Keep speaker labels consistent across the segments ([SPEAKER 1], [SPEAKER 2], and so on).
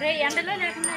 [SPEAKER 1] ఎండలో లేకుండా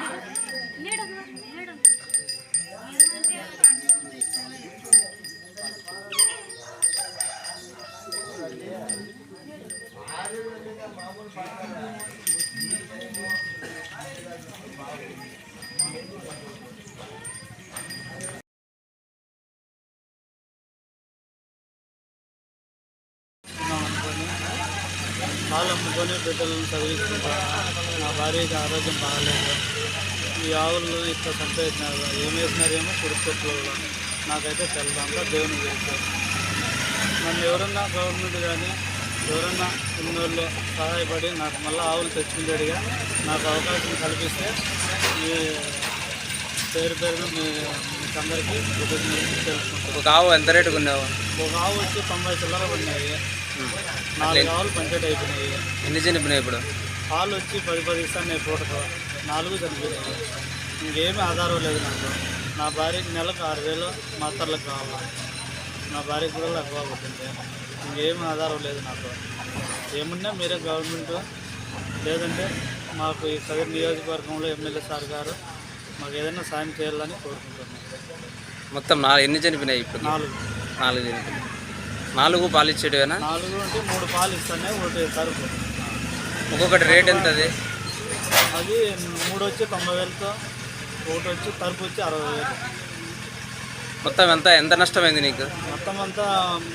[SPEAKER 2] పాలు అమ్ముకొని బిడ్డలను చదివించుకుంటాను. నా భార్యకి ఆరోగ్యం బాగాలేదు. ఈ ఆవులు ఇట్లా సంపేసినారు, ఏం వేసినారేమో కుడుకొట్లో నాకైతే తెలదంతా దేవుని చేశారు. నన్ను ఎవరన్నా గవర్నమెంట్ కానీ ఎవరన్నా ఉన్నోళ్ళు సహాయపడి నాకు మళ్ళీ ఆవులు తెచ్చుకునేట్టుగా నాకు అవకాశం కల్పిస్తే మీ పేరున మీకు అందరికీ తెలుసుకుంటాను.
[SPEAKER 3] ఒక ఆవు ఎంత రేటుకు ఉన్నావు?
[SPEAKER 2] ఒక ఆవు వచ్చి 90 చిల్లర పడినాయి. 4 ఆవులు పంచేట్ అయిపోయినాయి.
[SPEAKER 3] ఎన్ని చనిపోయినాయి ఇప్పుడు?
[SPEAKER 2] పాలు వచ్చి 10 ఇస్తాను పూటకు, 4 చనిపోయినాయి. ఇంకేమీ ఆధారం లేదు నాకు. నా భార్యకి నెలకు 6,000 మాత్రలకు కావాలి. నా భార్యకి కూడా ఎక్కువ పడుతుంది. ఇంకేమీ ఆధారం లేదు నాకు. ఏమున్నా మీరే గవర్నమెంట్ లేదంటే మాకు ఈ కదిరి నియోజకవర్గంలో ఎమ్మెల్యే సార్ గారు మాకు ఏదైనా సాయం చేయాలని కోరుకుంటున్నాను.
[SPEAKER 3] మొత్తం ఎన్ని చనిపోయినాయి ఇప్పుడు?
[SPEAKER 2] 4
[SPEAKER 3] చనిపోయినాయి. 4 పాలు ఇచ్చేటివేనా?
[SPEAKER 2] 4 అంటే 3 పాలు ఇస్తానే, ఒకటి తరుపు.
[SPEAKER 3] ఒక్కొక్కటి రేట్ ఎంత?
[SPEAKER 2] అది 3 వచ్చి 90,000తో, ఒకటి వచ్చి తరుపు వచ్చి 60,000.
[SPEAKER 3] మొత్తం ఎంత నష్టమైంది నీకు?
[SPEAKER 2] మొత్తం అంతా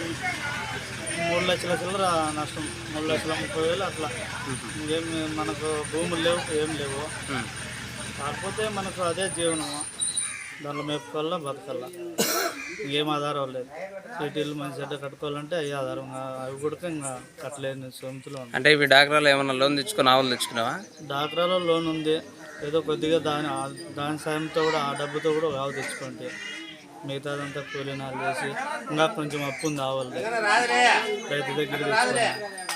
[SPEAKER 2] 3 లక్షల చిల్లర నష్టం. 3,30,000 అట్లా. ఇంకేం మనకు భూములు లేవు, ఏం లేవు. కాకపోతే మనకు అదే జీవనము. దాంట్లో మేపుకోవాలా, బతకల్లా. ఇంకేం ఆధారం లేదు. సిటీలు మంచి చెడ్డ కట్టుకోవాలంటే అవి ఆధారం. అవి కూడా ఇంకా కట్టలేని సొంతలో ఉంది.
[SPEAKER 3] అంటే ఇవి డాక్రాలో ఏమన్నా లోన్ తెచ్చుకుని ఆవులు తెచ్చుకున్నావా?
[SPEAKER 2] డాక్రాలో లోన్ ఉంది. ఏదో కొద్దిగా దాని సాయంతో కూడా, ఆ డబ్బుతో కూడా ఒక ఆవు తెచ్చుకోండి. మిగతాదంతా కూలీనాలు చేసి ఇంకా కొంచెం అప్పు ఉంది ఆవులు రైతు దగ్గర తెచ్చుకోండి.